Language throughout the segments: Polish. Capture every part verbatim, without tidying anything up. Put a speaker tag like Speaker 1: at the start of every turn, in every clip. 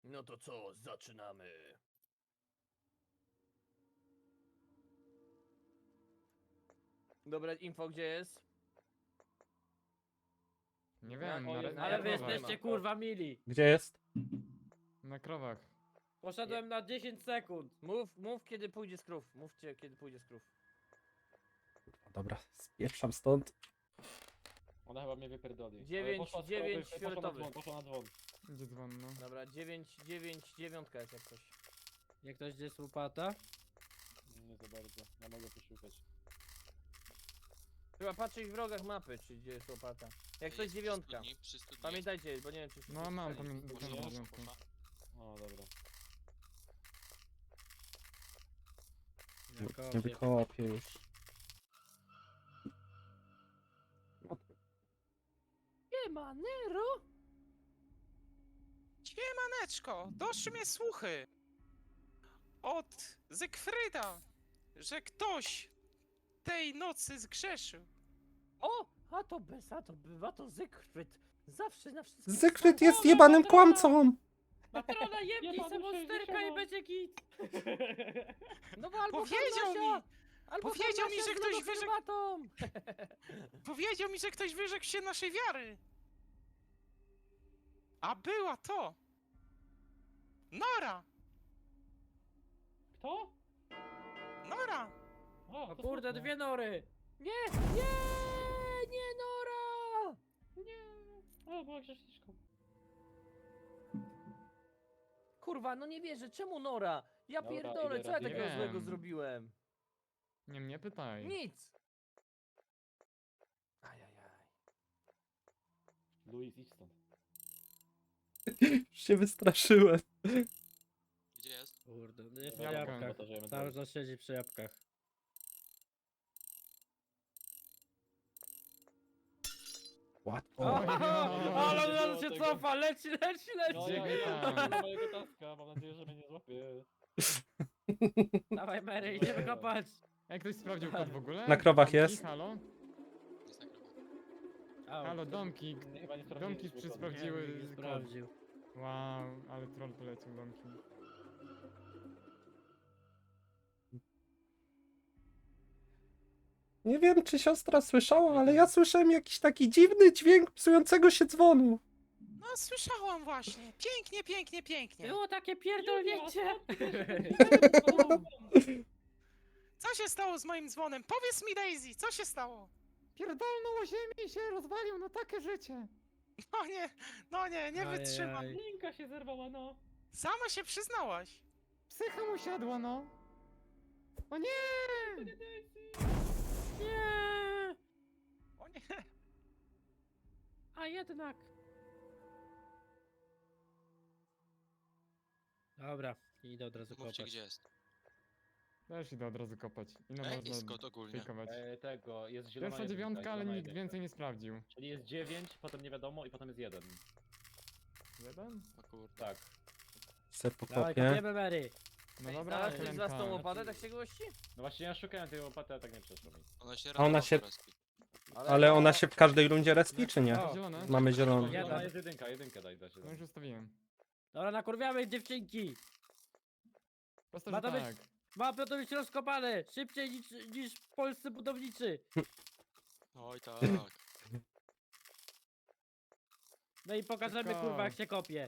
Speaker 1: No to co, zaczynamy. Dobra, info gdzie jest?
Speaker 2: Nie
Speaker 1: Na-
Speaker 2: wiem,
Speaker 1: o,
Speaker 2: na,
Speaker 1: jest
Speaker 2: re-
Speaker 1: na
Speaker 2: na
Speaker 3: Ale wy
Speaker 1: Jarkowa
Speaker 2: krowach.
Speaker 3: jesteście
Speaker 1: nie ma.
Speaker 3: kurwa mili.
Speaker 4: Gdzie jest?
Speaker 2: Na krowach.
Speaker 3: Poszedłem na dziesięć sekund.
Speaker 1: Mów, mów kiedy pójdzie z krów. Mówcie kiedy pójdzie z krów.
Speaker 4: Dobra, spieprzam stąd.
Speaker 5: Ona chyba mnie wypierdoli.
Speaker 1: Dziewięć,
Speaker 5: Ale poszła z
Speaker 1: dziewięć,
Speaker 5: prawej, poszła na
Speaker 1: fioletowy.
Speaker 5: dzwon, poszła na dzwon.
Speaker 2: Idzie dzwon, no.
Speaker 1: Dobra, dziewięć, dziewięć, dziewiątka jest jak coś.
Speaker 3: Jak ktoś gdzie jest łopata?
Speaker 5: Nie za bardzo, ja mogę poszukać.
Speaker 1: Chyba patrzeć w wrogach mapy, czy gdzie jest łopata. Jak coś
Speaker 6: Jest
Speaker 1: dziewiątka.
Speaker 6: przy studni, przy studni
Speaker 1: Pamiętajcie, bo nie wiem czy wszyscy
Speaker 2: No mam,
Speaker 1: słyszeli.
Speaker 2: pamię-
Speaker 6: jest.
Speaker 2: pamiętam
Speaker 6: Poszła,
Speaker 2: dziewiątkę.
Speaker 6: poszła.
Speaker 5: O, dobra.
Speaker 4: Nie wykopię już.
Speaker 1: Nie ma Nero!
Speaker 7: Siemaneczko, doszły mnie słuchy od Zygfryda, że ktoś tej nocy zgrzeszył.
Speaker 1: O! A to bez, a to bywa to Zygfryd. Zawsze na wszystko.
Speaker 4: Zygfryd jest jebanym kłamcą!
Speaker 3: Matrona jebnij
Speaker 5: Jebany
Speaker 3: se monsterka i
Speaker 5: sześćdziesiąt.
Speaker 3: będzie git.
Speaker 1: No bo albo
Speaker 7: Powiedział
Speaker 1: Harnasia,
Speaker 7: mi,
Speaker 1: albo
Speaker 7: powiedział mi,
Speaker 1: Harnasia
Speaker 7: że
Speaker 1: z
Speaker 7: ktoś
Speaker 1: lodoherbatą.
Speaker 7: powiedział mi, że ktoś wyrzekł się naszej wiary. A była to Nora,
Speaker 5: Kto?
Speaker 7: Nora.
Speaker 5: O,
Speaker 3: O
Speaker 5: to
Speaker 3: kurde,
Speaker 5: smutne.
Speaker 3: dwie nory.
Speaker 1: Nie, nie, nie Nora!
Speaker 5: Nie, o, była grzeszniczką.
Speaker 1: Kurwa, no nie wierzę, czemu Nora? Ja
Speaker 5: Dobra,
Speaker 1: pierdolę,
Speaker 5: idę
Speaker 1: co ja
Speaker 5: raz
Speaker 1: takiego
Speaker 2: jeden.
Speaker 1: złego zrobiłem?
Speaker 2: Nie mnie pytaj.
Speaker 1: Nic! Ajajaj.
Speaker 5: Luis, idź stąd.
Speaker 4: Już się wystraszyłem.
Speaker 6: Gdzie jest?
Speaker 3: Kurde, no jest w
Speaker 5: Dobra,
Speaker 2: Jabłka.
Speaker 3: jabłkach.
Speaker 5: powtarzajmy
Speaker 3: Cały
Speaker 5: dalej.
Speaker 3: czas siedzi przy jabłkach.
Speaker 4: Łatwo.
Speaker 3: O,
Speaker 2: Oj,
Speaker 3: ale
Speaker 5: nie
Speaker 3: on
Speaker 5: było
Speaker 3: się
Speaker 5: tego.
Speaker 3: cofa, leci, leci,
Speaker 5: No
Speaker 3: leci.
Speaker 5: ja,
Speaker 2: Gdzie
Speaker 5: ja,
Speaker 2: tam?
Speaker 5: ja do mojego taska, mam nadzieję, że mnie nie złapie.
Speaker 3: Dawaj Mary, idziemy kopać.
Speaker 2: Jak ktoś sprawdził kod w ogóle?
Speaker 4: Na krowach
Speaker 2: Domki,
Speaker 4: jest.
Speaker 2: Halo?
Speaker 6: Jest na krowach.
Speaker 3: Au,
Speaker 2: Halo, domki.
Speaker 5: Nie, chyba nie
Speaker 2: Domki
Speaker 5: sprawdziliśmy
Speaker 2: przy
Speaker 5: kodu.
Speaker 3: nie,
Speaker 2: sprawdziły
Speaker 3: nikt nie
Speaker 2: kod.
Speaker 3: sprawdził.
Speaker 2: Wow, ale troll polecił domki.
Speaker 4: Nie wiem, czy siostra słyszała, ale ja słyszałem jakiś taki dziwny dźwięk psującego się dzwonu.
Speaker 7: No słyszałam właśnie, pięknie, pięknie, pięknie.
Speaker 3: Było takie pierdolnięcie.
Speaker 7: Co się stało z moim dzwonem? Powiedz mi Daisy, co się stało?
Speaker 2: Pierdolną o ziemi i się rozwalił, no takie życie.
Speaker 7: No nie, no nie, nie
Speaker 3: Ajajaj.
Speaker 7: wytrzymam.
Speaker 5: Linka się zerwała, no.
Speaker 7: Sama się przyznałaś.
Speaker 2: Psycha mu siadła, no. O nie!
Speaker 3: Nie.
Speaker 7: O nie.
Speaker 3: A jednak. Dobra, idę od razu
Speaker 6: Mówcie
Speaker 3: kopać.
Speaker 6: gdzie jest.
Speaker 2: Też idę od razu kopać. Ile
Speaker 6: Ej,
Speaker 2: można
Speaker 6: jest kod ogólnie.
Speaker 2: fejkować?
Speaker 5: E, tego, jest zielona
Speaker 2: Pierwsza
Speaker 5: jedynka,
Speaker 2: dziewiątka, ale
Speaker 5: zielona
Speaker 2: nikt
Speaker 5: jedynka.
Speaker 2: więcej nie sprawdził.
Speaker 5: Czyli jest dziewięć, potem nie wiadomo i potem jest jeden.
Speaker 2: Jeden?
Speaker 6: O kurde.
Speaker 5: Tak.
Speaker 4: Se
Speaker 3: Dawaj,
Speaker 4: pokopię.
Speaker 3: kopiemy Mary.
Speaker 2: No
Speaker 1: Ej,
Speaker 2: dobra,
Speaker 1: znalazłeś z was tą
Speaker 2: Helenka.
Speaker 1: łopatę, tak się gości?
Speaker 5: No właśnie ja szukałem tej łopaty, a tak nie przeszło mi.
Speaker 6: Ona się
Speaker 4: A ona
Speaker 6: randomowo
Speaker 4: się-
Speaker 6: respi.
Speaker 4: Ale ona się w każdej rundzie respi, czy nie?
Speaker 3: O.
Speaker 2: Zielone?
Speaker 4: Mamy zielony.
Speaker 3: Jeden.
Speaker 5: Zielona jest jedynka, jedynkę daj, da się.
Speaker 2: No już ustawiłem.
Speaker 3: Dobra, nakurwiamy dziewczynki.
Speaker 2: Prosto,
Speaker 3: Ma
Speaker 2: że
Speaker 3: to być-
Speaker 2: tak.
Speaker 3: Ma to być rozkopane. Szybciej niż, niż polscy budowniczy.
Speaker 6: Oj tak.
Speaker 3: No i pokażemy
Speaker 2: Tylko-
Speaker 3: kurwa jak się kopie.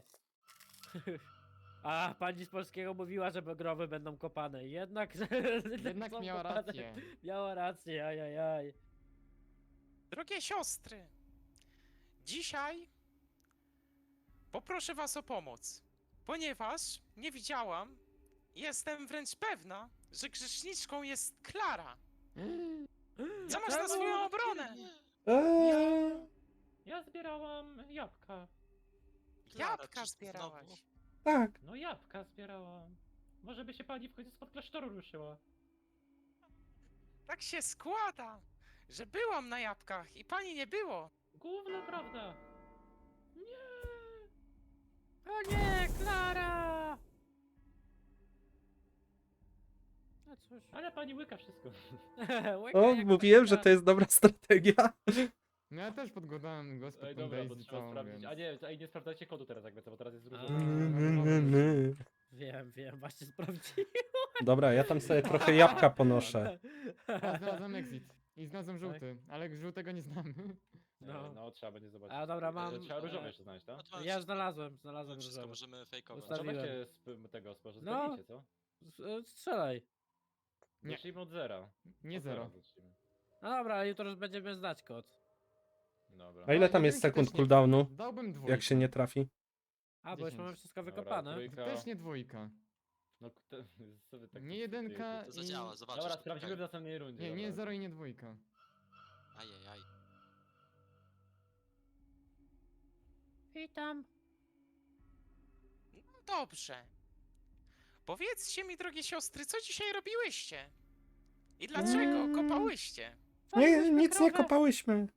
Speaker 3: A pani z polskiego mówiła, że growy będą kopane. Jednak,
Speaker 2: Jednak
Speaker 3: są
Speaker 2: miała
Speaker 3: kopane.
Speaker 2: rację.
Speaker 3: Miała rację, ajajaj.
Speaker 7: Drogie siostry, dzisiaj poproszę was o pomoc, ponieważ nie widziałam, jestem wręcz pewna, że grzeszniczką jest Klara. Co masz na
Speaker 3: Czemu?
Speaker 7: swoją obronę?
Speaker 4: Eee,
Speaker 5: Ja zbierałam jabłka.
Speaker 6: Klara,
Speaker 7: Jabłka
Speaker 6: czy
Speaker 7: zbierałaś.
Speaker 6: znowu?
Speaker 4: tak.
Speaker 5: No jabłka zbierałam. Może by się pani w końcu spod klasztoru ruszyła.
Speaker 7: Tak się składa, że byłam na jabłkach i pani nie było.
Speaker 5: Główna prawda. Nie.
Speaker 3: O nie, Klara! No cóż.
Speaker 5: Ale pani łyka wszystko.
Speaker 3: Łyka
Speaker 4: O,
Speaker 3: jak
Speaker 4: mówiłem, że
Speaker 3: patyka.
Speaker 4: to jest dobra strategia.
Speaker 2: No ja też podglądałem go z
Speaker 5: Ej,
Speaker 2: tą
Speaker 5: dobra, bo
Speaker 2: Daisy
Speaker 5: trzeba
Speaker 2: całą,
Speaker 5: sprawdzić.
Speaker 2: więc...
Speaker 5: A nie, ej, nie sprawdzajcie kodu teraz jakby co, bo teraz jest różowy.
Speaker 2: Mm.
Speaker 3: Wiem, wiem, właśnie sprawdziłem.
Speaker 4: Dobra, ja tam sobie trochę jabłka ponoszę.
Speaker 2: Ja znalazłem exit. I znalazłem żółty, ale żółtego nie znamy.
Speaker 5: No,
Speaker 3: No.
Speaker 5: no trzeba będzie zobaczyć.
Speaker 3: A dobra, mam...
Speaker 5: E, Trzeba różowy
Speaker 3: e,
Speaker 5: jeszcze znaleźć, tak?
Speaker 6: No to mamy
Speaker 3: Ja
Speaker 6: wszystko.
Speaker 3: znalazłem, znalazłem
Speaker 6: Mamy wszystko,
Speaker 3: różowy.
Speaker 6: możemy fejkować.
Speaker 3: Ustawi-
Speaker 5: Trzeba
Speaker 3: Ustawiłem.
Speaker 5: weźcie z p- tego, z może
Speaker 3: No.
Speaker 5: zgadnijcie, co?
Speaker 3: S- e, Strzelaj.
Speaker 2: Nie.
Speaker 5: Zacznijmy od zera.
Speaker 2: Nie
Speaker 5: Od
Speaker 2: zero.
Speaker 5: zacznijmy.
Speaker 3: No dobra, jutro już będziemy znać kod.
Speaker 5: Dobra.
Speaker 4: A ile tam jest
Speaker 2: jedynki
Speaker 4: sekund
Speaker 2: też nie-
Speaker 4: cooldownu,
Speaker 2: Dałbym dwójkę.
Speaker 4: jak się nie trafi?
Speaker 3: A, bo już
Speaker 2: dziesięć.
Speaker 3: mamy wszystko
Speaker 5: Dobra,
Speaker 3: wykopane.
Speaker 5: trójka.
Speaker 2: Też nie dwójka.
Speaker 5: No, kto, co wy tak
Speaker 2: Nie jedynka
Speaker 6: To
Speaker 2: i...
Speaker 6: zadziała, zobaczysz.
Speaker 5: Dobra,
Speaker 6: to
Speaker 5: sprawdzimy w
Speaker 6: czekaj.
Speaker 5: następnej rundzie.
Speaker 2: Nie, nie
Speaker 5: dobra.
Speaker 2: zero i nie dwójka.
Speaker 6: Ajajaj.
Speaker 3: Witam.
Speaker 7: No dobrze. Powiedzcie mi, drogie siostry, co dzisiaj robiłyście? I dlaczego
Speaker 4: Mm.
Speaker 7: kopałyście?
Speaker 4: Nie, nic nie kopałyśmy.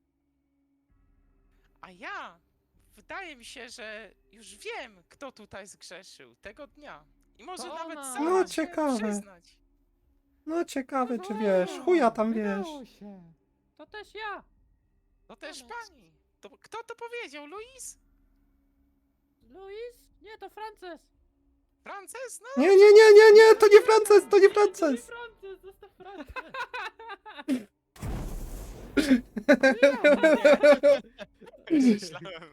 Speaker 7: A ja, wydaje mi się, że już wiem, kto tutaj zgrzeszył tego dnia. I może
Speaker 2: To
Speaker 7: nawet
Speaker 2: ona.
Speaker 7: sama
Speaker 4: No,
Speaker 7: się
Speaker 4: ciekawe.
Speaker 7: przyznać.
Speaker 4: No ciekawe, czy wiesz, chuja tam wiesz.
Speaker 2: Udało się.
Speaker 3: To też ja.
Speaker 7: To też
Speaker 6: Koniec.
Speaker 7: pani. To, kto to powiedział, Luis?
Speaker 3: Luis? Nie, to Frances.
Speaker 7: Frances? No,
Speaker 4: Nie, nie, nie, nie, nie, to nie Frances, to nie Frances.
Speaker 5: Frances, zostaw Frances!
Speaker 7: myślałem.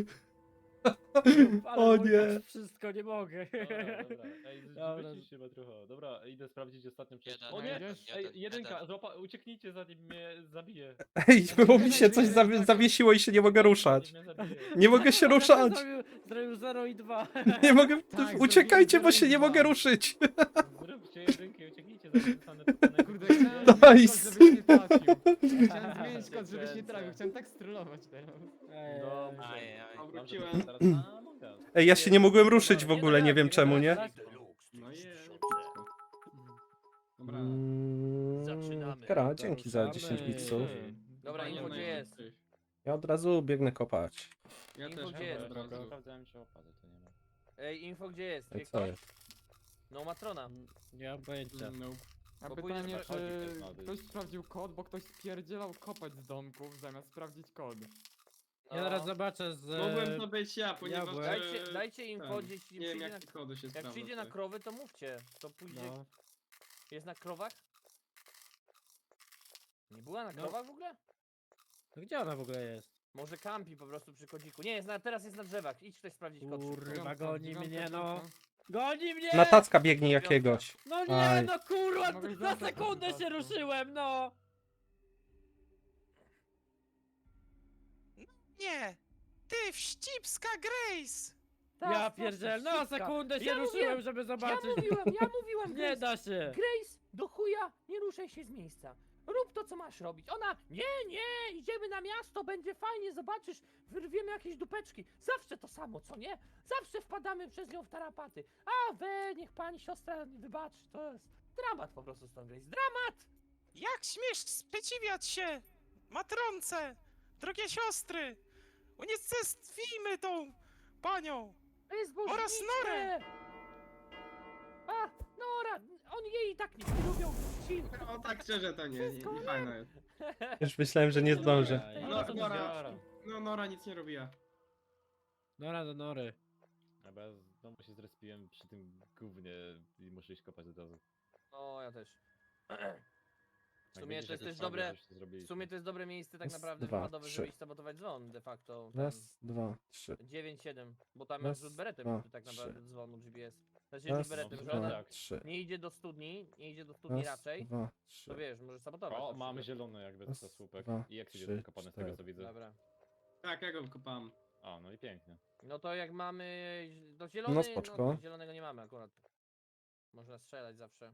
Speaker 3: Ale
Speaker 4: O
Speaker 3: mój
Speaker 4: nie.
Speaker 3: Boże, wszystko, nie mogę.
Speaker 5: Dobra, dobra. Ej,
Speaker 3: Dobra.
Speaker 5: wycisz się trochę. Dobra, idę sprawdzić ostatnią część.
Speaker 6: Jeden,
Speaker 5: O nie!
Speaker 2: jeden,
Speaker 5: Ej,
Speaker 6: jeden,
Speaker 5: jedynka,
Speaker 6: jeden.
Speaker 5: złapa, ucieknijcie zanim mnie zabije.
Speaker 4: Ej, bo mi się coś zawie- zawiesiło i się nie mogę ruszać.
Speaker 5: Zanim mnie zabije.
Speaker 4: Nie mogę się ruszać.
Speaker 3: Zrobił, zrobił zero i dwa.
Speaker 4: Nie mogę.
Speaker 2: Tak,
Speaker 4: Uciekajcie, bo
Speaker 2: zrobiłem
Speaker 4: się nie
Speaker 2: dwa.
Speaker 4: mogę ruszyć.
Speaker 5: Zróbcie jedynkę i ucieknijcie zanim zostanę pokonany.
Speaker 2: Kurde, chciałem
Speaker 4: Nice.
Speaker 2: zmienić kod, żebyś nie trafił. Chciałem zmienić kod, żebyś nie trafił. Chciałem tak strollować teraz.
Speaker 3: Ej,
Speaker 5: Dobrze.
Speaker 7: Ajajaj.
Speaker 5: Wróciłem. Teraz na Among Us.
Speaker 4: Ej, ja się nie mogłem ruszyć w ogóle, nie wiem czemu, nie?
Speaker 8: No je, Dobra.
Speaker 4: Mm,
Speaker 1: Zaczynamy.
Speaker 4: Kara, dzięki za
Speaker 3: Ruszamy.
Speaker 4: dziesięć bitsów.
Speaker 1: Dobra,
Speaker 8: Fajnie,
Speaker 1: info
Speaker 8: no
Speaker 1: gdzie
Speaker 8: i-
Speaker 1: jest?
Speaker 4: Ja od razu biegnę kopać.
Speaker 8: Ja
Speaker 1: Info
Speaker 8: też
Speaker 1: gdzie jest?
Speaker 8: od razu.
Speaker 5: Sprawdzałem się opady, to nie ma.
Speaker 1: Ej, info gdzie jest?
Speaker 4: Ej,
Speaker 1: Wie
Speaker 4: co
Speaker 1: ktoś?
Speaker 4: jest?
Speaker 1: No matrona.
Speaker 3: Nie mam pojęcia.
Speaker 8: No.
Speaker 2: A
Speaker 1: Bo
Speaker 2: pytanie,
Speaker 1: pójdę
Speaker 2: czy
Speaker 5: sprawdzić.
Speaker 2: ktoś sprawdził kod, bo ktoś spierdzielał kopać z domków zamiast sprawdzić kod.
Speaker 3: Ja zaraz zobaczę z...
Speaker 8: Mogłem to być ja, ponieważ...
Speaker 3: byłem.
Speaker 8: e,
Speaker 1: Dajcie, dajcie info,
Speaker 8: ten,
Speaker 1: jeśli
Speaker 8: Nie wiem
Speaker 1: przyjdzie na,
Speaker 8: jak kody się
Speaker 1: jak
Speaker 8: sprawdza.
Speaker 1: przyjdzie na
Speaker 8: tak.
Speaker 1: krowy, to mówcie. To pójdzie.
Speaker 3: No.
Speaker 1: Jest na krowach? Nie była na
Speaker 3: No.
Speaker 1: krowach w ogóle?
Speaker 3: No gdzie ona w ogóle jest?
Speaker 1: Może kampi po prostu przy kodziku. Nie, jest na, teraz jest na drzewach. Idź ktoś sprawdzić kod. szybko.
Speaker 3: Kurwa,
Speaker 2: Dziewiątka,
Speaker 3: goni
Speaker 2: dziewiątka,
Speaker 3: mnie, no.
Speaker 2: dziewiątka.
Speaker 3: Goni mnie!
Speaker 4: Na tacka biegnie jakiegoś.
Speaker 3: No nie,
Speaker 4: Aj.
Speaker 3: no kurwa,
Speaker 2: Mogłeś
Speaker 3: na
Speaker 2: zostać
Speaker 3: sekundę
Speaker 2: po
Speaker 3: się
Speaker 2: prostu.
Speaker 3: ruszyłem, no!
Speaker 7: Nie! Ty, wścibska Grace!
Speaker 1: Tak,
Speaker 3: Ja
Speaker 1: tak,
Speaker 3: pierdzielę,
Speaker 1: tak,
Speaker 3: na
Speaker 1: szybka.
Speaker 3: sekundę się
Speaker 1: Ja
Speaker 3: ruszyłem,
Speaker 1: mówiłem,
Speaker 3: żeby
Speaker 1: Ja
Speaker 3: zobaczyć.
Speaker 1: mówiłem, ja mówiłem,
Speaker 3: Nie
Speaker 1: Grace.
Speaker 3: da się.
Speaker 1: Grace, do chuja, nie ruszaj się z miejsca. Rób to, co masz robić. Ona, nie, nie, idziemy na miasto, będzie fajnie, zobaczysz, wyrwiemy jakieś dupeczki. Zawsze to samo, co nie? Zawsze wpadamy przez nią w tarapaty. A we, niech pani siostra wybaczy, to jest dramat po prostu z tą Grace. Dramat!
Speaker 7: Jak śmiesz sprzeciwiać się matronce, drogie siostry? Unicestwimy tą panią!
Speaker 1: To jest
Speaker 7: Oraz
Speaker 1: bożnicze!
Speaker 7: Norę!
Speaker 1: A, Nora, oni jej i tak nie lubią. Ci...
Speaker 8: O tak szczerze to nie, nie, nie fajna jest.
Speaker 4: Już myślałem, że nie zdążę.
Speaker 3: Ej,
Speaker 8: No,
Speaker 3: no, to
Speaker 8: Nora.
Speaker 3: Nora.
Speaker 8: No Nora nic nie robiła.
Speaker 3: Nora do nory.
Speaker 5: Dobra, ja znowu się zrespiłem przy tym gównie i muszę iść kopać od razu.
Speaker 1: O, ja też. W
Speaker 5: Jak
Speaker 1: sumie
Speaker 5: będziesz
Speaker 1: to jest
Speaker 5: jakoś
Speaker 1: też
Speaker 5: słaby,
Speaker 1: dobre.
Speaker 5: żeście zrobili.
Speaker 1: W sumie to jest dobre miejsce tak
Speaker 4: Raz,
Speaker 1: naprawdę
Speaker 4: dwa,
Speaker 1: wypadowe,
Speaker 4: trzy.
Speaker 1: żeby iść sabotować dzwon de facto.
Speaker 4: Raz, dwa, trzy.
Speaker 1: dziewięć siedem, bo tam
Speaker 4: Raz,
Speaker 1: jest rzut beretem
Speaker 4: dwa,
Speaker 1: tak
Speaker 4: trzy.
Speaker 1: naprawdę dzwonu G P S. Znaczy
Speaker 4: Raz,
Speaker 1: rzut beretem, że
Speaker 5: dwa,
Speaker 1: ona
Speaker 5: tak.
Speaker 4: trzy.
Speaker 1: nie idzie do studni, nie idzie do studni
Speaker 4: Raz,
Speaker 1: raczej,
Speaker 4: dwa, trzy.
Speaker 1: to wiesz, może sabotować.
Speaker 5: O,
Speaker 1: na
Speaker 5: mamy
Speaker 1: przykład.
Speaker 5: zielony jakby to
Speaker 4: Raz,
Speaker 5: słupek.
Speaker 4: dwa,
Speaker 5: I jak
Speaker 4: trzy,
Speaker 5: jest kopany z tego co
Speaker 4: cztery.
Speaker 5: widzę.
Speaker 1: Dobra.
Speaker 8: Tak, ja go wykopałem.
Speaker 5: A, no i pięknie.
Speaker 1: No to jak mamy do zielony,
Speaker 4: No spoczko.
Speaker 1: no to zielonego nie mamy akurat. Można strzelać zawsze.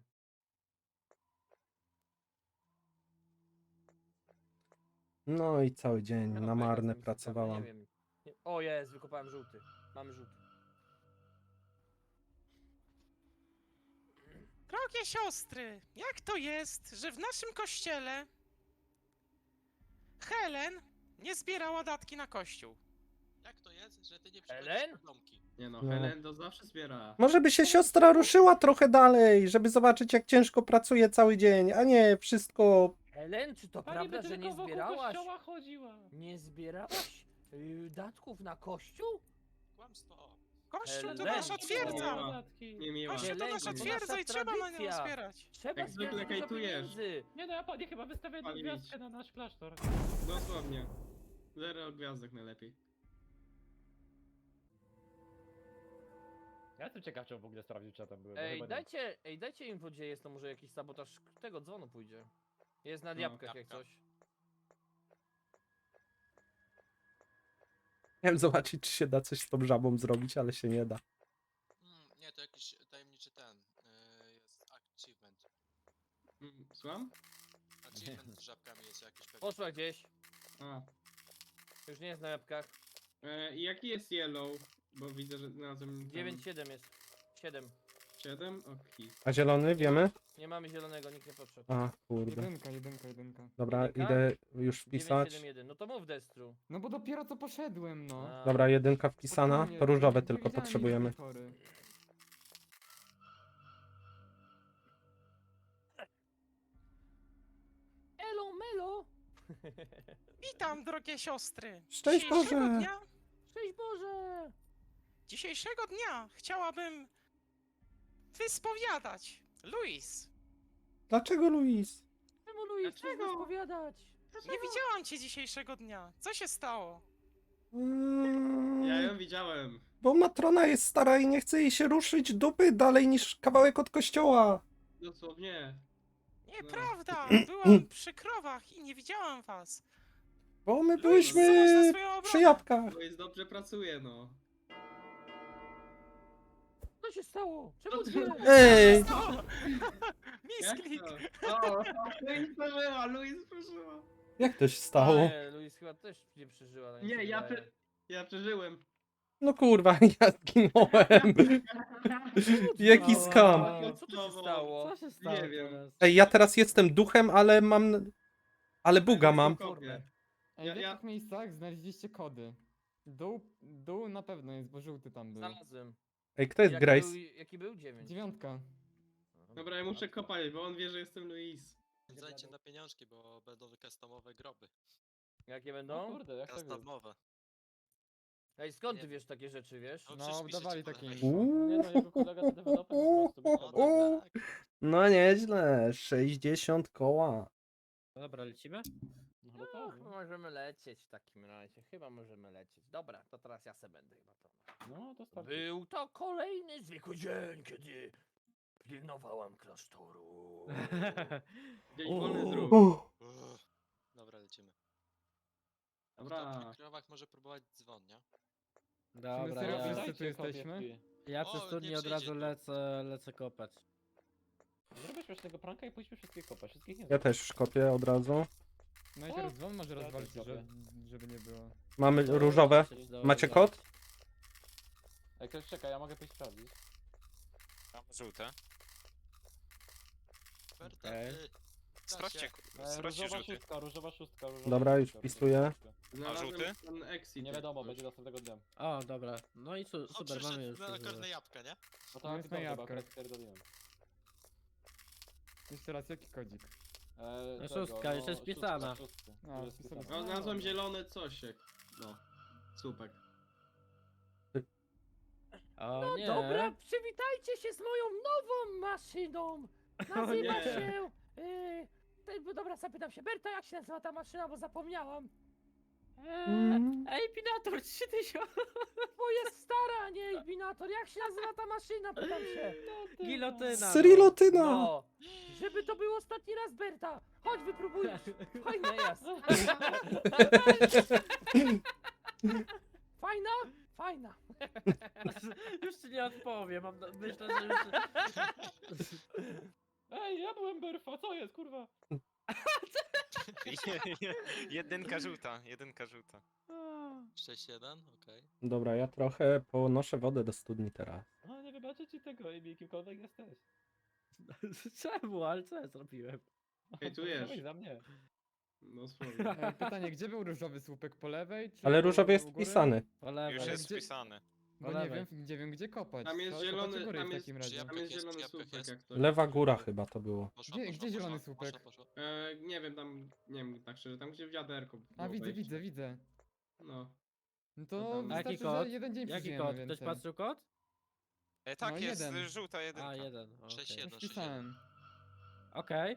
Speaker 4: No i cały dzień
Speaker 1: Ja
Speaker 4: na
Speaker 1: no,
Speaker 4: marne
Speaker 1: jestem ciekawy,
Speaker 4: pracowałam.
Speaker 1: Nie wiem. Nie- O jest, wykopałem żółty. Mamy żółty.
Speaker 7: Drogie siostry, jak to jest, że w naszym kościele Helen nie zbierała datki na kościół?
Speaker 6: Jak to jest, że ty nie
Speaker 1: Ellen?
Speaker 6: przychodzisz na domki?
Speaker 8: Nie no,
Speaker 4: No.
Speaker 8: Helen to zawsze zbiera.
Speaker 4: Może by się siostra ruszyła trochę dalej, żeby zobaczyć jak ciężko pracuje cały dzień, a nie wszystko
Speaker 1: Helen, czy to
Speaker 3: Pani
Speaker 1: prawda,
Speaker 3: by
Speaker 1: że nie
Speaker 3: tylko wokół
Speaker 1: zbierałaś?
Speaker 3: kościoła chodziła.
Speaker 1: Nie zbierałaś y, datków na kościół?
Speaker 6: Kłamstwo.
Speaker 7: Kościół to
Speaker 1: Helen.
Speaker 7: nasza twierdza!
Speaker 8: miała. Nie miła.
Speaker 7: Kościół to nasza
Speaker 1: Helen, to
Speaker 7: twierdza i
Speaker 1: nasza
Speaker 7: trzeba na nią
Speaker 1: tradycja.
Speaker 7: zbierać.
Speaker 1: Trzeba
Speaker 8: Jak zwykle
Speaker 1: zbierać dużo
Speaker 8: hejtujesz.
Speaker 1: pieniędzy.
Speaker 3: Nie no, ja pani chyba wystawię jedną
Speaker 8: Palić.
Speaker 3: gwiazdkę na nasz klasztor.
Speaker 8: Dosłownie. Zero gwiazdek najlepiej.
Speaker 5: Ja jestem ciekaw, czy on w ogóle sprawdził, czy ja tam byłem. bo
Speaker 1: Ej,
Speaker 5: chyba nie.
Speaker 1: dajcie, ej, dajcie info, gdzie jest, to może jakiś sabotaż tego dzwonu pójdzie. Jest na
Speaker 8: No,
Speaker 1: diabłkach jak
Speaker 6: jabłka.
Speaker 1: coś.
Speaker 4: Chciałem zobaczyć, czy się da coś z tą żabą zrobić, ale się nie da.
Speaker 6: Mm, nie, to jakiś tajemniczy ten. Yy, jest achievement.
Speaker 8: Mm, Słucham?
Speaker 6: Achievement z żabkami jest jakiś pewnie.
Speaker 1: Poszła gdzieś.
Speaker 8: A.
Speaker 1: Już nie jest na jabłkach.
Speaker 8: E, i jaki jest yellow? Bo widzę, że znalazłem...
Speaker 1: dziewięć siedem jest. siedem.
Speaker 8: siedem? Okej.
Speaker 4: A zielony, wiemy?
Speaker 1: Nie mamy zielonego, nikt nie podszedł.
Speaker 4: A, kurde.
Speaker 2: Jedynka, jedynka, jedynka.
Speaker 4: Dobra,
Speaker 1: Jedynka?
Speaker 4: idę już
Speaker 1: dziewięć
Speaker 4: wpisać.
Speaker 1: siedem jeden. No to mów Destru.
Speaker 2: No bo dopiero co poszedłem, no.
Speaker 1: A,
Speaker 4: Dobra, jedynka wpisana.
Speaker 2: Spokojnie,
Speaker 4: To różowe
Speaker 2: nie
Speaker 4: tylko
Speaker 2: widziałem
Speaker 4: potrzebujemy.
Speaker 2: nic do tej pory.
Speaker 1: Elo Melo!
Speaker 7: Witam, drogie siostry.
Speaker 4: Szczęść
Speaker 7: Dzisiejszego
Speaker 4: Boże!
Speaker 7: dnia,
Speaker 1: Szczęść Boże!
Speaker 7: dzisiejszego dnia chciałabym wyspowiadać. Luis,
Speaker 4: Dlaczego, Luis?
Speaker 1: Czemu Luis chcesz
Speaker 8: Dlaczego?
Speaker 1: rozpowiadać?
Speaker 7: nie widziałam cię dzisiejszego dnia. Co się stało?
Speaker 4: Mm,
Speaker 8: Ja ją widziałem.
Speaker 4: Bo matrona jest stara i nie chce jej się ruszyć dupy dalej niż kawałek od kościoła.
Speaker 8: Dosłownie.
Speaker 7: Nieprawda, byłam przy krowach i nie widziałam was.
Speaker 4: Bo my
Speaker 7: Luis,
Speaker 4: byliśmy
Speaker 7: zobacz na swoją obronę.
Speaker 4: przy jabłkach.
Speaker 8: To jest dobrze pracuje, no.
Speaker 1: Co się stało? Czemu
Speaker 8: Co
Speaker 1: dwie?
Speaker 8: ty-
Speaker 4: Ej!
Speaker 7: O!
Speaker 8: Jak
Speaker 7: Misklik!
Speaker 8: to? O, Luis przeżyła, Luis przeżyła.
Speaker 4: Jak to się stało?
Speaker 1: Nie, Luis chyba też nie przeżyła. tak mi się
Speaker 8: Nie, ja,
Speaker 1: wydaje.
Speaker 8: prze... ja przeżyłem.
Speaker 4: No kurwa, ja zginąłem. Jaki skam.
Speaker 1: A, co tu się stało?
Speaker 3: Co się stało
Speaker 8: Nie wiem.
Speaker 3: teraz?
Speaker 4: Ej, ja teraz jestem duchem, ale mam... Ale buga mam.
Speaker 8: Kopie.
Speaker 2: Ej,
Speaker 8: Ja-
Speaker 2: w
Speaker 8: ja-
Speaker 2: jakich miejscach znaleźliście kody? Dół, dół na pewno jest, bo żółty tam był.
Speaker 1: Znalazłem.
Speaker 4: Ej, kto jest
Speaker 1: Jaki
Speaker 4: Grace?
Speaker 1: Był, jaki był? Dziewięć.
Speaker 2: Dziewiątka.
Speaker 8: Dobra, ja muszę kopać, bo on wie, że jestem Luis.
Speaker 6: Zajcie na pieniążki, bo będą customowe groby.
Speaker 1: Jakie
Speaker 5: No
Speaker 1: będą?
Speaker 5: kurde, jak tak jest?
Speaker 6: Customowe.
Speaker 1: Ej, skąd ty
Speaker 6: Nie.
Speaker 1: wiesz takie rzeczy, wiesz?
Speaker 6: No,
Speaker 2: No,
Speaker 6: przecież piszecie
Speaker 2: dawali
Speaker 6: po
Speaker 2: takie
Speaker 6: lewej.
Speaker 2: info.
Speaker 4: Uuu.
Speaker 5: Nie no, jego kolega to deweloper po prostu.
Speaker 6: No,
Speaker 5: bo to-
Speaker 6: tak, tak.
Speaker 4: No nieźle, sześćdziesiąt koła.
Speaker 3: No dobra, lecimy?
Speaker 5: No chyba
Speaker 1: No,
Speaker 5: tak, no.
Speaker 1: możemy lecieć w takim razie. Chyba możemy lecieć. Dobra, to teraz ja se będę chyba prowadził.
Speaker 5: No, to starczy.
Speaker 1: Był to kolejny zwykły dzień, kiedy pilnowałam klasztoru.
Speaker 8: Dzień wolny zrób.
Speaker 4: Uff.
Speaker 6: Uff. Dobra, lecimy.
Speaker 8: Dobra.
Speaker 6: Kto przy krowach może próbować dzwon, nie?
Speaker 2: Czy my
Speaker 3: Dobra,
Speaker 2: serio
Speaker 3: ja,
Speaker 2: wszyscy
Speaker 5: Dajcie
Speaker 2: tu jesteśmy?
Speaker 5: kopię.
Speaker 3: ja
Speaker 6: O,
Speaker 3: przez
Speaker 6: nie
Speaker 3: studnię od
Speaker 6: przyjdzie
Speaker 3: razu
Speaker 6: tu.
Speaker 3: lecę, lecę kopać.
Speaker 5: Zrobię śmiesznego pranka i pójdźmy wszystkich kopać. Wszystkich nie
Speaker 4: Ja też już kopię od razu.
Speaker 2: No i
Speaker 5: O!
Speaker 2: teraz dzwon może
Speaker 5: Ja
Speaker 2: rozwalić,
Speaker 5: też
Speaker 2: że,
Speaker 5: kopię.
Speaker 2: żeby nie było.
Speaker 4: Mamy
Speaker 3: No,
Speaker 4: różowe.
Speaker 3: coś do-
Speaker 4: Macie
Speaker 3: do-
Speaker 4: kod?
Speaker 5: Ej, ktoś czeka, ja mogę pójść sprawdzić.
Speaker 9: Mam żółte.
Speaker 6: Berta,
Speaker 3: Okej.
Speaker 6: y,
Speaker 9: Sprawdźcie,
Speaker 6: Stasie,
Speaker 9: ku-
Speaker 5: E,
Speaker 9: sprawdźcie
Speaker 5: różowa
Speaker 9: żółty.
Speaker 5: szóstka, różowa szóstka, różowa
Speaker 4: Dobra, już
Speaker 5: szóstka,
Speaker 4: wpisuję.
Speaker 5: różowa szóstka.
Speaker 8: Znalazłem
Speaker 9: żółty?
Speaker 8: ten exit.
Speaker 5: Nie
Speaker 8: jak
Speaker 5: wiadomo,
Speaker 8: coś.
Speaker 5: będzie następnego dnia.
Speaker 3: O, dobra. No i su
Speaker 6: O,
Speaker 3: super, mamy
Speaker 6: przyszedł
Speaker 3: już.
Speaker 6: na
Speaker 3: różowe.
Speaker 6: korne jabłka, nie?
Speaker 5: No
Speaker 2: No
Speaker 5: tak,
Speaker 2: jest na
Speaker 5: dobrze, bo
Speaker 2: jabłkach.
Speaker 5: akurat pierdoliłem.
Speaker 2: Jeszcze raz, jaki kodzik?
Speaker 5: E,
Speaker 3: No
Speaker 5: tego,
Speaker 3: szóstka, już jest
Speaker 5: szóstka,
Speaker 3: wpisana.
Speaker 5: szóstka,
Speaker 2: A,
Speaker 5: już jest
Speaker 2: wpisana.
Speaker 5: wpisana.
Speaker 8: O, znalazłem zielone cosiek. No. Słupek.
Speaker 3: O
Speaker 1: No
Speaker 3: nie.
Speaker 1: dobra, przywitajcie się z moją nową maszyną. Nazywa
Speaker 8: nie.
Speaker 1: się... Yy, te- bo dobra, zapytam się, Berta, jak się nazywa ta maszyna, bo zapomniałam. Eee,
Speaker 4: Mm.
Speaker 3: Ej, Pinator, trzy tysiące!
Speaker 1: bo jest stara, nie Ilbinator. Jak się nazywa ta maszyna, pytam się.
Speaker 3: Gilotyna. no.
Speaker 4: Cyrilotyna!
Speaker 1: No, żeby to był ostatni raz, Berta. Chodź, wypróbujesz. Fajna jest. Fajna? Fajna.
Speaker 3: Już ci nie odpowiem, mam, na- myślę, że już...
Speaker 5: Ej, ja byłem Berfa, co jest, kurwa?
Speaker 9: Jedynka żółta, jedynka żółta.
Speaker 6: sześć jeden, okej.
Speaker 4: Dobra, ja trochę ponoszę wodę do studni teraz.
Speaker 5: A, nie wybaczę ci tego, Amy, kimkolwiek jesteś.
Speaker 3: Czemu? Ale co ja zrobiłem?
Speaker 8: Hejtujesz.
Speaker 5: Dawaj za mnie.
Speaker 8: No słownie.
Speaker 2: Ej, pytanie, gdzie był różowy słupek? Po lewej? Czy
Speaker 4: Ale
Speaker 2: po-
Speaker 4: różowy jest
Speaker 2: u góry?
Speaker 4: wpisany.
Speaker 3: Po lewej.
Speaker 9: Już
Speaker 2: ale
Speaker 9: jest
Speaker 2: gdzie-
Speaker 9: wpisany.
Speaker 2: Bo nie wiem, nie wiem gdzie kopać.
Speaker 8: Tam jest
Speaker 2: Trzeba kopać
Speaker 8: zielony-
Speaker 2: u góry
Speaker 8: tam
Speaker 2: w
Speaker 8: jest-
Speaker 2: takim
Speaker 6: Czy
Speaker 2: razie.
Speaker 6: jabłek
Speaker 8: Tam jest
Speaker 6: jest,
Speaker 8: zielony
Speaker 6: czy jabłek
Speaker 8: słupek
Speaker 6: jest?
Speaker 8: jak coś.
Speaker 4: Lewa góra chyba to było.
Speaker 6: Poszła,
Speaker 2: Gdzie-
Speaker 6: poszła,
Speaker 2: gdzie zielony
Speaker 6: poszła,
Speaker 2: słupek?
Speaker 6: poszła, poszła.
Speaker 8: E, nie wiem, tam, nie wiem tak szczerze, tam gdzie wiaderko
Speaker 2: A
Speaker 8: było
Speaker 2: widzę,
Speaker 8: wejście.
Speaker 2: widzę, widzę.
Speaker 8: No.
Speaker 2: No
Speaker 8: To
Speaker 2: to
Speaker 8: tam-
Speaker 3: A jaki
Speaker 2: wystarczy,
Speaker 3: kod?
Speaker 2: że jeden dzień
Speaker 3: Jaki
Speaker 2: przeżyjemy
Speaker 3: kod?
Speaker 2: więcej.
Speaker 3: Ktoś patrzył kod?
Speaker 9: E, tak,
Speaker 2: No,
Speaker 9: jest
Speaker 2: jeden.
Speaker 9: y, żółta jedynka.
Speaker 3: A, jeden. okej.
Speaker 6: sześć
Speaker 2: Już
Speaker 6: jeden, sześć jeden.
Speaker 2: pisałem.
Speaker 3: Okej.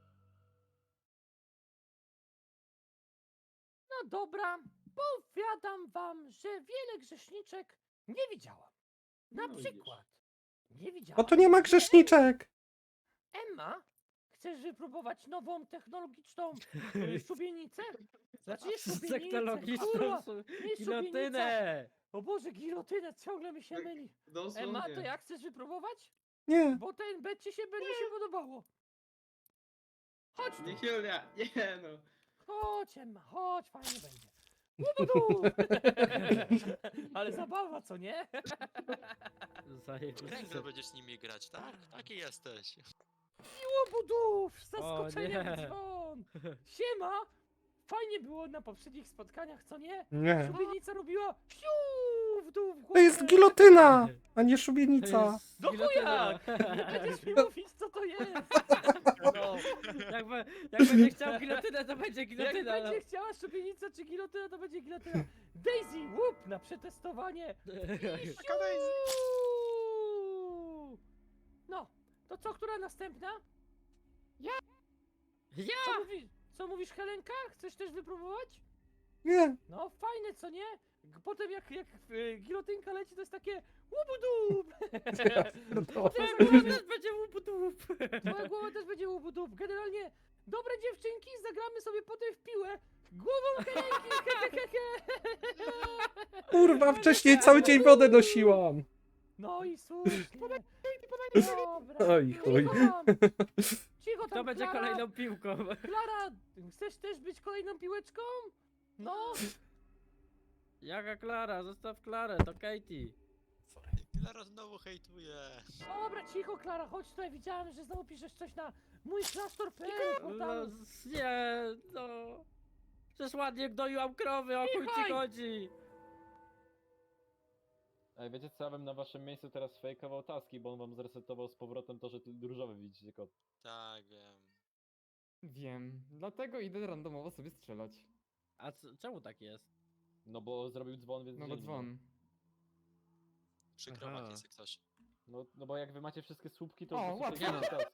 Speaker 1: No dobra, powiadam wam, że wiele grzeszniczek nie widziałam. Na
Speaker 8: No widzisz.
Speaker 1: przykład, nie widziałam.
Speaker 4: Bo tu nie ma grzeszniczek.
Speaker 1: Emma, chcesz wypróbować nową technologiczną y, szubienicę? Znaczy nie szubienicę,
Speaker 3: Technologiczną
Speaker 1: kurwa,
Speaker 3: su-
Speaker 1: nie szubienica.
Speaker 3: gilotynę!
Speaker 1: O Boże, gilotynę, ciągle mi się
Speaker 8: Tak.
Speaker 1: myli.
Speaker 8: Dosłownie.
Speaker 1: Emma, to jak chcesz wypróbować?
Speaker 4: Nie.
Speaker 1: Bo ten bet ci się będzie się podobało. Chodź tu.
Speaker 8: Nie Julia, nie no.
Speaker 1: Chodź Emma, chodź, fajnie będzie. Łubudu! Ale zabawa, co nie?
Speaker 3: Zajebiście.
Speaker 6: Kręgle będziesz z nimi grać, tak? Taki jesteś.
Speaker 1: Łobudów! Z
Speaker 3: O
Speaker 1: zaskoczeniem
Speaker 3: nie.
Speaker 1: w dzwon! Siema! Fajnie było na poprzednich spotkaniach, co nie?
Speaker 4: Nie.
Speaker 1: Szubienica robiła siu w dół w
Speaker 4: To
Speaker 1: głowę.
Speaker 4: jest gilotyna, a nie
Speaker 3: To
Speaker 4: szubienica.
Speaker 3: jest
Speaker 1: No
Speaker 3: gilotyna.
Speaker 1: Nie będziesz mi mówić, co to jest!
Speaker 3: No, jak, be, jak będzie chciał gilotynę, to będzie
Speaker 1: Jak
Speaker 3: gilotyna. no.
Speaker 1: będzie chciała szubienica czy gilotyna, to będzie gilotyna. Daisy, łup na przetestowanie! I
Speaker 9: Taka Daisy.
Speaker 1: siu! No, to co, która następna?
Speaker 3: Ja!
Speaker 1: Co, mówi, co mówisz, Helenka? Chcesz też wypróbować?
Speaker 4: Nie.
Speaker 1: No fajne, co nie? G- Potem jak, jak y, gilotynka leci, to jest takie łubudup!
Speaker 3: Twoja głowa też będzie łup-dup.
Speaker 1: Twoja głowa też będzie łubudup. Generalnie, dobre dziewczynki, zagramy sobie potem w piłę. Głową Helenki, he, he, he, he.
Speaker 4: Kurwa, wcześniej cały dzień wodę nosiłam.
Speaker 1: No i słusznie. Dobra.
Speaker 4: Oj, chuj.
Speaker 1: Cicho tam. Cicho tam,
Speaker 3: Kto będzie
Speaker 1: Klara.
Speaker 3: kolejną piłką?
Speaker 1: Klara, chcesz też być kolejną piłeczką? No.
Speaker 3: Jaka Klara? Zostaw Klarę, to Katie.
Speaker 6: Klara znowu hejtuje.
Speaker 1: Dobra, cicho, Klara, chodź tutaj. Widziałem, że znowu piszesz coś na mój klasztor kropka p l.
Speaker 3: No, s- nie, no. Przecież ładnie gnoiłam krowy, o chuj ci
Speaker 1: Cichaj!
Speaker 3: chodzi.
Speaker 5: Ej, wiecie co, ja bym na waszym miejscu teraz fejkował taski, bo on wam zresetował z powrotem to, że ty różowy widzicie kod.
Speaker 6: Tak, wiem.
Speaker 2: Wiem. Dlatego idę randomowo sobie strzelać.
Speaker 3: A c- czemu tak jest?
Speaker 5: No bo zrobił dzwon, więc
Speaker 2: No bo
Speaker 5: dzielni.
Speaker 2: dzwon.
Speaker 6: Przy krowach
Speaker 3: Aha.
Speaker 6: jest jak coś.
Speaker 5: No, no bo jak wy macie wszystkie słupki, to
Speaker 2: O,
Speaker 5: po prostu
Speaker 2: łatwo.
Speaker 5: fejkujecie taski.